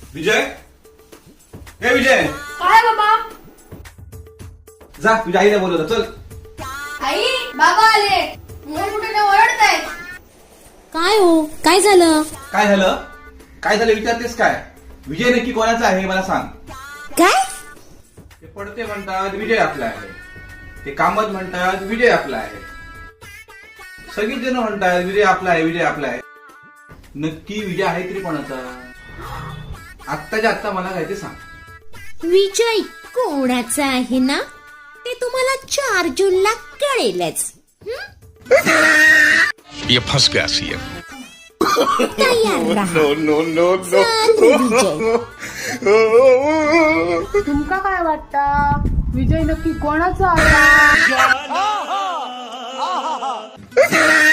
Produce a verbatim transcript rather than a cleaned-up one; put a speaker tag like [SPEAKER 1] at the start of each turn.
[SPEAKER 1] विजय, हे विजय,
[SPEAKER 2] काय बाबा?
[SPEAKER 1] जा तुझ्या आईला बोलवलं, चल.
[SPEAKER 2] आई, बाबा आले. मुलं कुठे ओरडतायत.
[SPEAKER 3] काय हो, काय झालं?
[SPEAKER 1] काय झालं? काय झालं विचारतेस काय? विजय नक्की कोणाचा आहे मला सांग.
[SPEAKER 3] काय?
[SPEAKER 1] ते पडते म्हणतात विजय आपला आहे, ते कामत म्हणतात विजय आपला आहे, सगळीच जण म्हणतात विजय आपला आहे, विजय आपला आहे. नक्की विजय आहे तरी कोणाचा? आत्ताच्या आत्ता मला काय ते सांग.
[SPEAKER 3] विजय कोणाचा आहे ना ते तुम्हाला चार जूनला कळेलच.
[SPEAKER 4] ये फंस गया सीएम.
[SPEAKER 3] तयार राहा.
[SPEAKER 4] नो नो नो
[SPEAKER 3] चालू विजय.
[SPEAKER 2] तुमका काय वाटतं? विजय नक्की कोणाचा आला?